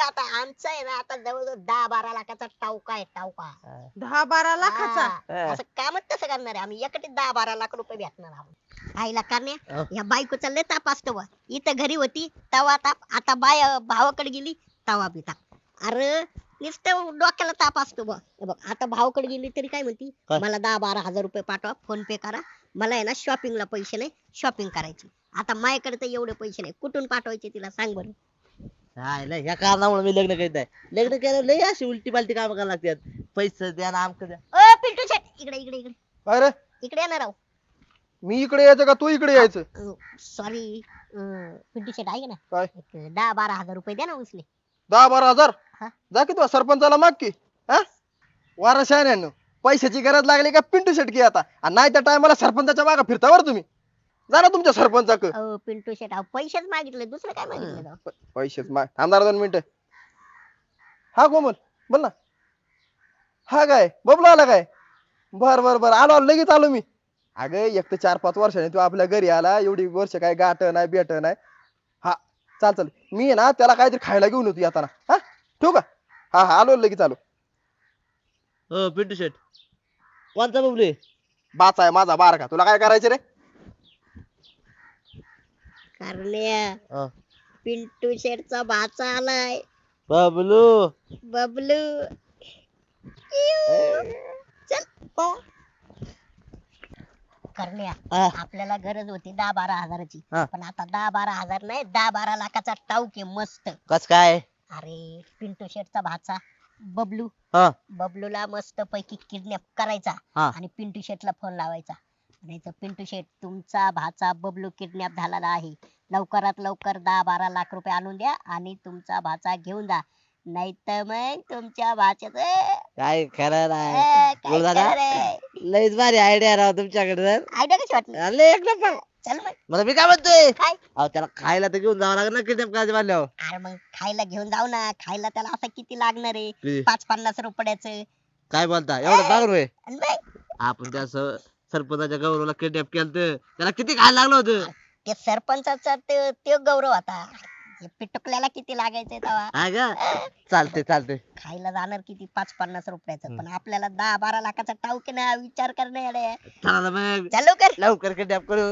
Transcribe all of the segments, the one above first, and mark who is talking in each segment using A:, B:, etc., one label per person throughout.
A: आता आमचं आहे ना आता जवळजवळ 10-12 लाखाचा टावका आहे टावका.
B: 10-12 लाखाचा?
A: हा, असं कामच तसं करणार आहे आम्ही एकटे 10-12 लाख रुपये भेटणार आहोत. आईला करण्या या बायकोचा लय ताप असतो बा. इथं घरी होती तवा ताप, आता भावाकडे गेली तवा बी ताप. अरे नुसतं डोक्याला ताप असतो बा. हे बघ आता भावाकडे गेली तरी काय म्हणती,
C: काय?
A: मला 10-12 हजार रुपये पाठवा, फोन पे करा, मला आहे ना शॉपिंगला पैसे नाही, शॉपिंग करायची. आता माझ्याकडे तर एवढे पैसे नाही, कुठून पाठवायचे तिला सांग बरं.
C: नाही ह्या कारणामुळे मी लग्न करीत नाही. लग्न केलं लय अशी उलटी पालटी काम करायला लागतात. पैसे द्या ना आमक द्या.
A: ओ पिंटू शेट इकडे इकडे इकडे
D: अरे
A: इकडे येणार राव.
D: मी इकडे यायचं का तू इकडे यायचं?
A: सॉरी पिंटू शेट आहे ना,
D: काय?
A: एक 10-12 हजार रुपये द्या ना उचले.
D: 10-12 हजार?
A: हा.
D: जा की तू सरपंचाला माग की. हा वारशाने पैशाची गरज लागली का पिंटू शेटकी आता, आणि नाही त्या टायमाला सरपंचाच्या मागे फिरता बरं तुम्ही. जा ना तुमच्या सरपंचाक.
A: अहो पिंटू शेट अहो पैसेच मागितले, दुसरं काय मागितलं राव?
D: पैसेच माग. थांबणार 2 मिनिटं. हा कोमल बोल ना. हा काय बबलू आला काय? बर बर बर आलो आलो, लगेच आलो मी. अगं एक तर 4-5 वर्षाने तू आपल्या घरी आला, एवढी वर्ष काय गाठ नाही बेट नाही. हा चाल चाल, मी आहे ना त्याला काहीतरी खायला घेऊन होतो येताना. हा ठेवू का? हा हा आलो लगेच आलो.
C: हो पिंटू शेट, कोणता बबलू?
D: बाचा आहे माझा बारका, तुला काय करायचं रे?
A: करण्या पिंटू शेटचा भाचा आलाय,
C: बबलू.
A: बबलू. चल पळ. करण्या
C: हा.
A: आपल्याला गरज होती 10-12 हजाराची,
C: हा.
A: पण आता 10-12 हजार नाही 10-12 लाखाचा टाऊक आहे मस्त.
C: कस काय?
A: अरे पिंटू शेटचा भाचा बबलू,
C: हा
A: बबलूला मस्त पैकी किडनॅप करायचा
C: हा.
A: आणि पिंटू शेटला फोन लावायचा. नाही तर पिंटू शेट तुमचा भाचा बबलू किडनॅप झालेला आहे, लवकरात लवकर 10-12 लाख रुपये आणून द्या आणि तुमचा भाचा घेऊन जा, नाही तर मग तुमच्या भाच्याच
C: काय खरं नाही बोल दादा. लयच भारी आयडिया राव तुमच्याकडे.
A: आयडिया कशी वाटली?
C: लय एक नंबर.
A: चल मग
C: मला मी काय म्हणतोय,
A: काय?
C: अहो त्याला खायला तर घेऊन जावं लागेल ना किडनॅप करायचं म्हणल्यावर.
A: अरे मग खायला घेऊन जाऊ ना, खायला त्याला असं किती लागणार आहे,
C: किती?
A: 5-50 रुपयाचं.
C: काय बोलता एवढं लागलं होय?
A: आणि मग
C: आपण त्या सरपंचाच्या गौरवला किडनॅप केलं तर त्याला किती खायला लागलं होतं.
A: ते सरपंचाचा ते गौरव होता, हे पिटुकल्याला किती लागायचंय तेव्हा.
C: हा का? चालते चालते.
A: खायला जाणार किती 5-50 रुपयाचं, पण आपल्याला 10-12 लाखाचा टाऊक ना, विचार करणे.
C: चला ना मग
A: चालू कर.
C: लवकर किडनॅप करू.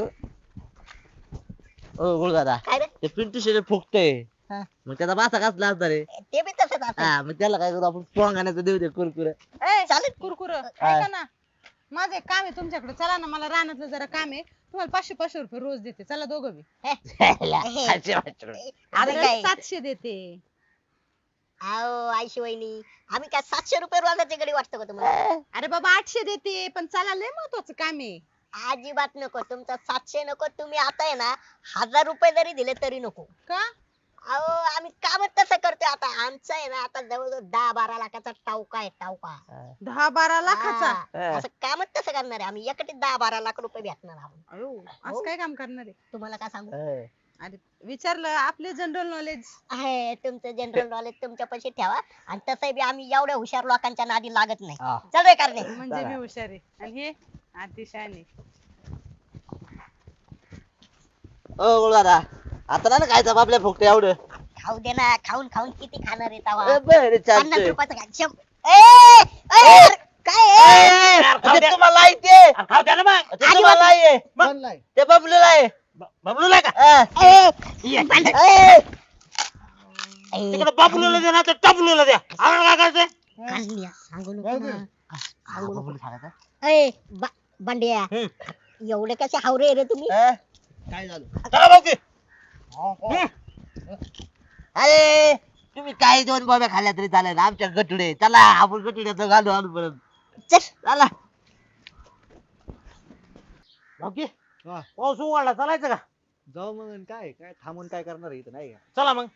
C: ओ गुळ दादा,
A: काय रे?
C: ते पिंटू शेट फुकतय,
A: हा.
C: मग त्याचा बासा कसला असणार आहे?
A: ते बी तसंच असेल.
C: हा मग त्याला काय करू आपण पोंगाण्याचं देऊ दे कुरकुरे.
A: चालेल.
B: कुरकुर ऐका ना, माझं एक काम आहे तुमच्याकडे, चला ना, मला रानातलं जरा काम आहे. तुम्हाला 500-500 रुपये रोज देते, चला दोघं बी.
A: आम्ही काय
B: 700 देते.
A: अहो आयशी वहिनी, आम्ही काय 700 रुपये रोजाची गडी वाटतो का तुम्हाला?
B: अरे बाबा 800 देते, पण चला लय महत्वाचं काम आहे.
A: अजिबात नको, तुमचा 700 नको. तुम्ही आता आहे ना 1000 रुपये जरी दिले तरी नको.
B: का?
A: अहो आम्ही कामच तसं करतोय. आता आमचं आहे ना आता जवळजवळ 10-12 लाखाचा टावका आहे टावका.
B: 10-12 लाखाचा?
A: हा, असं कामच तसं करणार आहे आम्ही, एकटे 10-12 लाख रुपये भेटणार आहोत.
B: अयो, असं काय काम करणार आहे?
A: तुम्हाला काय सांगू,
B: अरे विचारलं, आपले जनरल नॉलेज
A: आहे तुमचं जनरल नॉलेज तुमच्या पैसे ठेवा, आणि तसंही बी आम्ही एवढ्या हुशार लोकांच्या नादी लागत नाही.
C: हा.
A: चल रे करणे.
B: म्हणजे मी हुशार आहे आणि हे अतिशयाने.
C: ओ गुळ दादा, आता नाही ना खायचं आपल्या फुकटे एवढं.
A: खाऊ दे ना, खाऊन खाऊन किती खाणार आहे तवा?
C: बरं
A: 50
C: चालतंय.
A: रुपयाचं खा. ए, काय ए?
C: ते तुम्हाला आहे ते.
E: खाऊ द्या ना मग.
C: ते तुम्हाला आहे.
D: बनलाय.
C: ते बबलूला आहे.
E: बबलूला का?
C: हा.
A: ए,
C: ए,
E: तिकडे बबलूला द्या ना तर टबलूला द्या. आम्हाला काय करायचंय?
A: काढल्या, सांगू नको
D: जाऊ दे.
A: ना.
C: हा, बबलू सांगायचा.
A: ए, बंड्या, एवढे कसे हावरे रे तुम्ही?
C: हा? काय झालं?
E: चला भाऊ की.
C: अरे तुम्ही काही 2 बॉब्या खाल्ल्या तरी चालेल, आमच्या गटुडे. चला आपण गटुड्याचं घालू आणू परत.
A: चल.
C: चला.
E: भाऊ की.
D: हा.
E: पाऊस उघडला, चालायचं का?
D: जाऊ मग. आणि काय काय थांबून काय करणार आहे इथं, नाही का?
E: चला मग.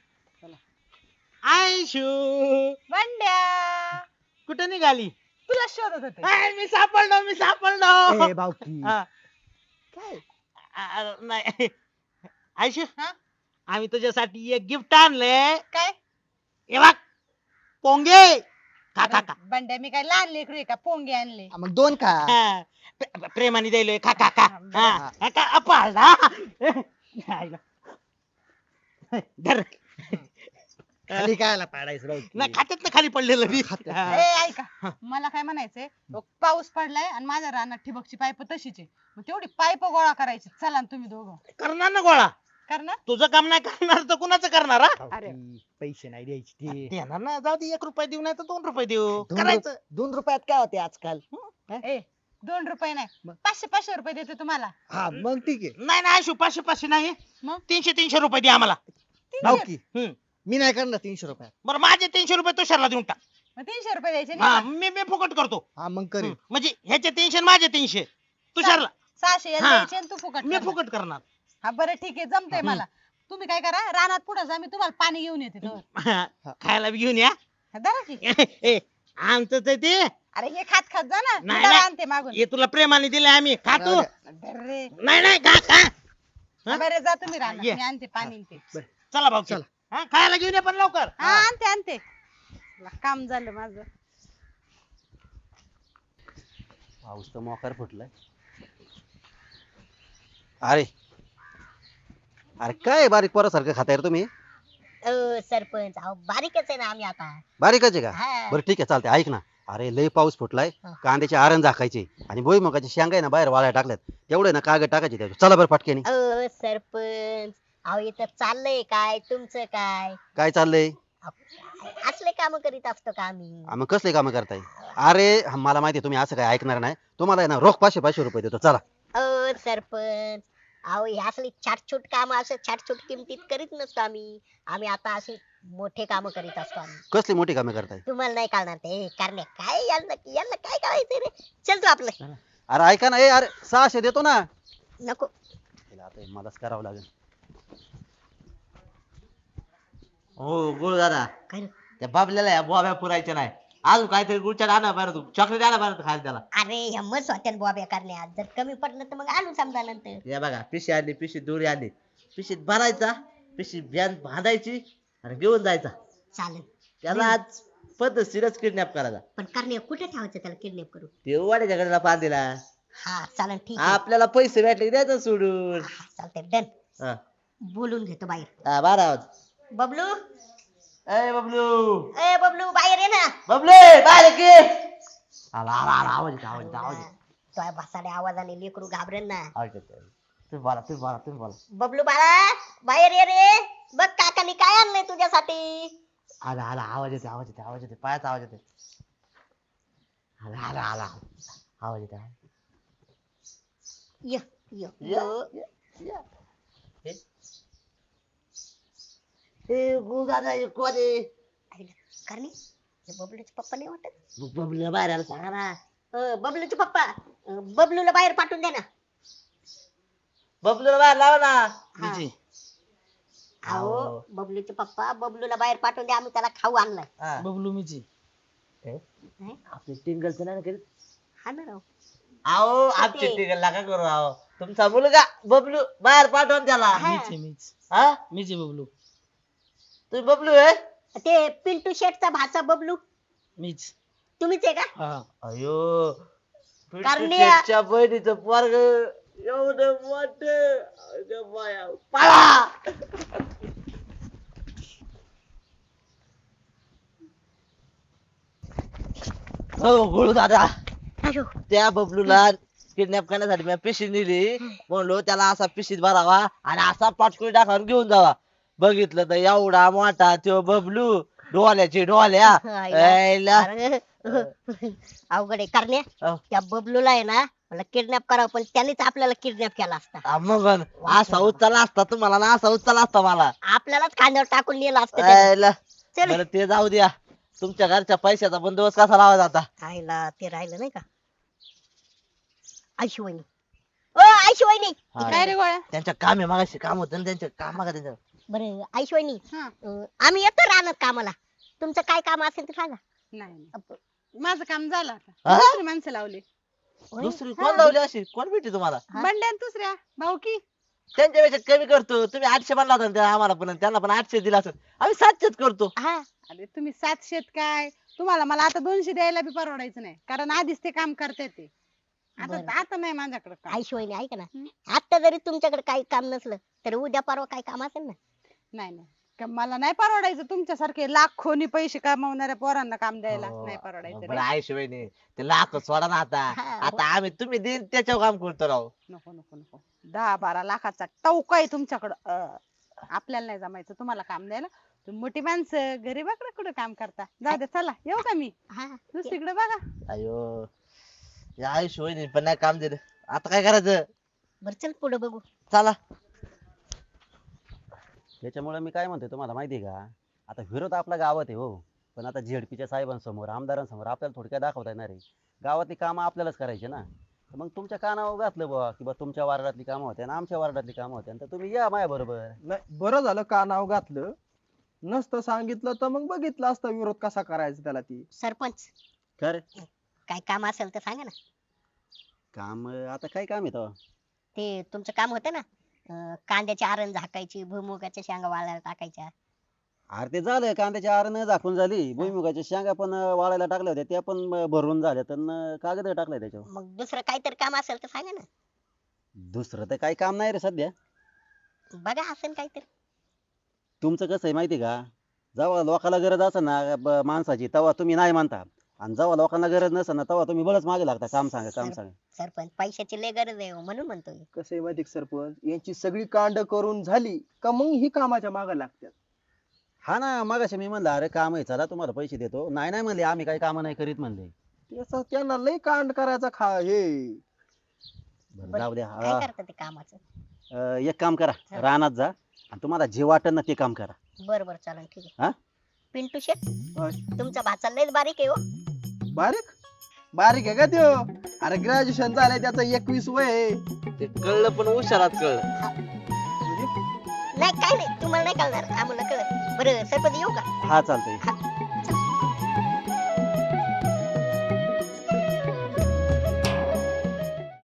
E: आयशू
B: बंड्या,
E: कुठे निघाली?
B: तुला शोधत होते.
E: मी सापडलो.
D: बावकी
E: हा.
B: काय?
E: नाही आयशू,
B: हा?
E: आम्ही तुझ्यासाठी एक गिफ्ट आणलंय.
B: काय?
E: हे बघ, पोंगे. खा खा खा.
B: बंड्या, मी काय लहान लेकरू आहे का पोंगे आणले?
D: मग 2 खा.
E: हा. प्रेमाने द्यायलोय. खा खा खा. हा का अपाळला. धर.
F: खाली कायला पाडायचं राव ते?
E: नाही खात्यात ना खाली पडलेलं मी हा.
B: ए ऐका मला काय म्हणायचंय पाऊस पडलाय आणि माझ्या रानात ठिबकची पाईप तशीच आहे मग तेवढी पाईप गोळा करायची चला ना तुम्ही दोघं
E: करणार ना गोळा
B: करणार
E: तुझं काम नाही करणार तर कुणाचं करणार हा?
F: राव
B: अरे.
F: ती पैसे नाही द्यायचे ते
E: देणार ना जाऊ दे 1 रुपया देऊ नाही तर 2 रुपये देऊ
F: दोन
E: करायचं
F: 2 रुपयात काय होते आजकाल
B: ए 2 रुपये नाही
F: मग?
B: 500 रुपये देते तुम्हाला
F: हा मग ठीक आहे
E: नाही नाही आयशू 500 नाही
B: मग?
E: 300 रुपये दे आम्हाला
F: राव
B: 300
F: की
E: हम्म.
F: मी नाही करणार 300 रुपयात
E: बरं माझे 300 रुपये तुषारला देऊन टाक
B: मग 300 रुपये द्यायचे
E: हा
B: नाही
E: मी फुकट करतो
F: हा मग करेल
E: म्हणजे ह्याचे 300 आणि माझे 300 तुषारला
B: 600 याला
E: हा.
B: द्यायचे आणि तू फुकट
E: मी
B: करणार.
E: फुकट करणार
B: हा बरं ठीक आहे जमतंय मला तुम्ही काय करा रानात पुढे जा मी तुम्हाला पाणी घेऊन येते तोवर.
E: खायला बी घेऊन या
B: हा, धरा की
E: ए, आमचं तर ते
B: अरे हे खात खात जा ना मी
E: नाही,
B: जरा
E: नाही.
B: आणते मागून
E: हे तुला प्रेमाने दिले आम्ही खातो
B: धर रे
E: नाही नाही खा खा हा?
B: बरे जा तुम्ही रानात
E: ये.
B: मी आणते पाणी आणि ते
E: चला भाऊ
F: चला.
E: हा खायला घेऊन या पण लवकर
B: हा आणते आणते चला, काम झालं माझं
G: पाऊस तर मोकार फुटलाय अरे अरे काय बारीक पोरासारखं खाताय रे तुम्ही
A: सरपंच अहो बारीकच आहे ना आम्ही आता
G: बारीकच आहे का
A: हा.
G: बरं ठीक आहे चालते ऐक ना अरे लय पाऊस फुटलाय
A: हा.
G: कांद्याचे आरण झाकायचे आणि भुईमुगाचे शेंगा आहे ना बाहेर वाळायला टाकल्यात तेवढे ना कागद टाकायचे त्याच्यावर. चला बरं पटकेनी
A: सरपंच अहो इथं चाललंय काय तुमचं काय
G: काय चाललंय
A: असले काम करीत असतो का आम्ही
G: मग कसले कामं करताय अरे मला माहिती तुम्ही असं काय ऐकणार नाही तुम्हाला आहे ना रोख 500 रुपये देतो चला
A: सरपंच अहो हे असली छाटछूट काम असं छाटछूट किमतीत करीत नसतो आम्ही आम्ही आता अशी मोठे काम करीत असतो आम्ही
G: कसली मोठी कामं करताय
A: तुम्हाला नाही कळणार ते करणे काय यांना काय करायचंय रे चल तू आपलं
G: अरे ऐका ना ए अरे 600 देतो ना
A: नको
G: तिला आता हे मलाच करावं लागेल
C: हो गुळ दादा
A: काय रे?
C: त्या बाबल्याला या बोब्या पुरायच्या नाही अजून काहीतरी गुळचाट आणा बरं तू चॉकलेट आणा बरं खायला त्याला
A: अरे हिम्मत होत्या बॉब्या करण्यात जर कमी पडलं तर मग आणू समजा नंतर
C: या बघा पिशी आणली पिशी दोरी आणली पिशीत भरायचा पिशी भ्यान बांधायची आणि घेऊन जायचा
A: चालेल
C: त्याला आज पद्धतशीरच किडनॅप करायचा
A: पण करणे कुठे ठेवायचं त्याला किडनॅप करू
C: ते वाड्याच्या गडीला बांधलेला
A: हा चालेल ठीक आहे
C: आपल्याला पैसे भेटले की द्यायचं सोडून
A: हा, चालतंय डन
C: हा.
A: बोलून घेतो बाहेर
C: हा, बारा आवाज
A: बबलू
C: ए बबलू
A: ए बबलू बाहेर ये ना
C: बबलू बाहेर की आला आला आला आवाज येतो, आवाज येतो, आवाज येतो.
A: तो भासाड्या आवाजाने लेकरू घाबरेल ना
C: आवाज येतो. तुम्ही बोला तुम्ही बोला तुम्ही बोला
A: बबलू बाळा बाहेर ये रे बघ काकानी काय आणलंय तुझ्यासाठी
C: आला आला आवाज येते आवाज येते आवाज येते पायाचा आवाज येते आला आला आला आवाज येते
A: य य य
C: ए गुरुदादा हे कोण आहे
A: करणे हे बबलूचे पप्पा नाही वाटत
C: बबलू बाहेर आला सांगा ना
A: बबलूचे पप्पा बबलूला बाहेर पाठवून दे ना
C: बबलूला बाहेर लावा ना
A: हा.
E: विजय.
A: अहो
C: अहो.
A: बबलूचे पप्पा बबलूला बाहेर पाठवून दे आम्ही त्याला खाऊ आणलाय
C: हा.
E: बबलू मिची
C: आपली टिंगलचं नाही ना करीत
A: हा ना राव
C: अहो आमची टिंगल नका करू अहो तुमचा मुलगा बबलू बाहेर पाठवून त्याला
A: हा.
E: मीच
C: हा
E: मीच बबलू
C: तुम्ही बबलू आहे
A: ते पिंटू शेटचा भाचा बबलू
E: मीच
A: तुम्हीच आहे का
E: हा
C: अयो
A: करण्या.
C: पिंटूच्या बहिणीचं पोरग एवढं मोठ पळा हो गुळू दादा
A: अयो
C: त्या बबलूला किडनॅप करण्यासाठी मी पिशी नेली म्हणलो त्याला असा पिशीत भरावा आणि असा पाटकुळी टाकावर घेऊन जावा बघितलं तर एवढा मोठा तो बबलू डोल्याची डोल्या ऐला.
A: अरे, अवघड आहे करण्या
C: अहो.
A: त्या बबलूला आहे ना मला किडनॅप करावं पण त्यानेच आपल्याला किडनॅप केला असता
C: हा, मग असा उचलला असता तुम्हाला ना असा उचलला असता मला
A: आपल्यालाच खांद्यावर टाकून नेलं असतं त्याने.
C: ऐला.
A: चल
C: बरं ते जाऊ द्या तुमच्या घरच्या पैशाचा बंदोबस्त कसा लावायचा आता
A: आईला ते राहिलं नाही का आयशिवानी ओ आयशिवानी
C: हा.
B: काय रे गोळ्या
C: त्यांच्या काम आहे मागाशी काम होतं ना त्यांच्या काम का त्यांच्या
A: बरं आयशिवानी
B: हा
A: आम्ही येतो राहणार कामाला तुमचं काय काम असेल ते सांगा
B: नाही नाही. माझं काम झालं आता
C: हा?
B: दुसरी माणसं लावली
A: होय?
C: दुसरी कोण लावली अशी कोण भेटली तुम्हाला
A: हा?
B: बंड्या आणि दुसऱ्या भाऊ की
C: त्यांच्यापेक्षा कमी करतो तुम्ही 800 म्हणला होता ना त्या आम्हाला पण त्यांना पण 800 दिला असेल आम्ही 700 करतो
A: हा
B: अरे तुम्ही 700 काय तुम्हाला मला आता 200 द्यायला बी परवडायचं नाही कारण आधीच ते काम करते ते
A: बरं.
B: आता आता नाही माझ्याकडे काम
A: आयशिवानी ऐका ना
B: हं?
A: आता जरी तुमच्याकडे काही काम नसलं तरी उद्या परवा काही काम असेल ना
B: नाही नाही मला नाही परवडायचं तुमच्यासारखे लाखोनी पैसे कमावणाऱ्या पोरांना काम द्यायला
C: हो.
B: नाही परवडायचं
C: बरं
B: रे.
C: आहे शिवायने ते लाख सोडा ना आता
A: हा,
C: आता आम्ही तुम्ही देईन त्याच्यावर काम करतो राव.
B: नको नको नको 10-12 लाखाचा टवका आहे तुमच्याकडं आपल्याला नाही जमायचं तुम्हाला काम द्यायला. तुम्ही मोठी माणसं गरीबाकडे कुठं काम करता. जाऊ दे चला येऊ का मी
A: हा
B: दुसरीकडे बघा.
C: अयो या आई शिवायने पण नाही काम दिलं आता काय करायचं.
A: बर चल पुढे बघू.
C: चला
G: त्याच्यामुळे मी काय म्हणतोय तुम्हाला माहितीये का, आता विरोध आपल्या गावात आहे हो, पण आता झेडपीच्या साहेबांसमोर आमदारांसमोर आपल्याला थोडक्यात दाखवता येणार आहे. गावातली कामं आपल्यालाच करायची ना. तर मग तुमच्या कानावर घातलं बुवा की बा तुमच्या वार्डातली कामं होत्या आणि आमच्या वार्डातली कामं होत्या, तर तुम्ही या माझ्या बरोबर.
D: नाही बरं झालं का नाव घातलं, नसतं सांगितलं तर मग बघितलं असतं विरोध कसा करायचा त्याला. ती
A: सरपंच
G: खरे
A: काय काम असेल तर सांगा ना.
G: काम आता काय काम आहे तेव्हा?
A: ते तुमचं काम होतं ना कांद्याची आरण झाकायची भुईमुगाच्या शेंगा वाळायला टाकायच्या.
G: अरे ते झालं, कांद्याची आरण झाकून झाली, भुईमुगाच्या शेंगा पण वाळायला टाकल्या होत्या, त्या पण भरून झाल्या, तर कागद टाकलाय त्याच्यावर.
A: मग दुसरं काहीतरी काम असेल तर सांगा ना.
G: दुसरं तर काही काम नाही रे सध्या.
A: बघा असेल काहीतरी.
G: तुमचं कसं आहे माहिती का, जेव्हा लोकांना गरज असेल ना माणसाची तेव्हा तुम्ही नाही मानता, आणि जेव्हा लोकांना गरज नसेल ना तेव्हा तुम्ही बळच मागे लागता. काम सांगा काम सांगा.
A: सरपंच पैशाची लय गरज आहे हो, म्हणून म्हणतोय.
D: कसं आहे माहिती का सरपंच, यांची सगळी कांड करून झाली का मग ही कामाच्या मागे लागतात.
G: हा ना, मगाशी मी म्हणलं अरे काम आहे चला तुम्हाला पैसे देतो, नाही नाही म्हणले आम्ही काही काम नाही करीत म्हणले.
D: त्याचा त्यांना लय कांड करायचा हे.
G: बरं, जाऊ द्या.
A: काय करतं ते कामाचं.
G: एक काम करा, रानात जा आणि तुम्हाला जे वाटेल ना ते काम करा.
A: बर बर चालेल ठीक
G: हा?
A: आहे. पिंटू शेट
D: होय.
A: तुमचा भाचा लयच बारीक आहे हो.
D: बारीक बारीक आहे का त्यो? अरे ग्रॅज्युएशन झालंय त्याचं 21 वय आहे.
C: ते कळलं पण उशारात कळलं.
A: नाही काय नाही तुम्हाला नाही कळणार आम्हाला कळत. बरं सरपंच येऊ का.
G: हा चालतंय.
A: हा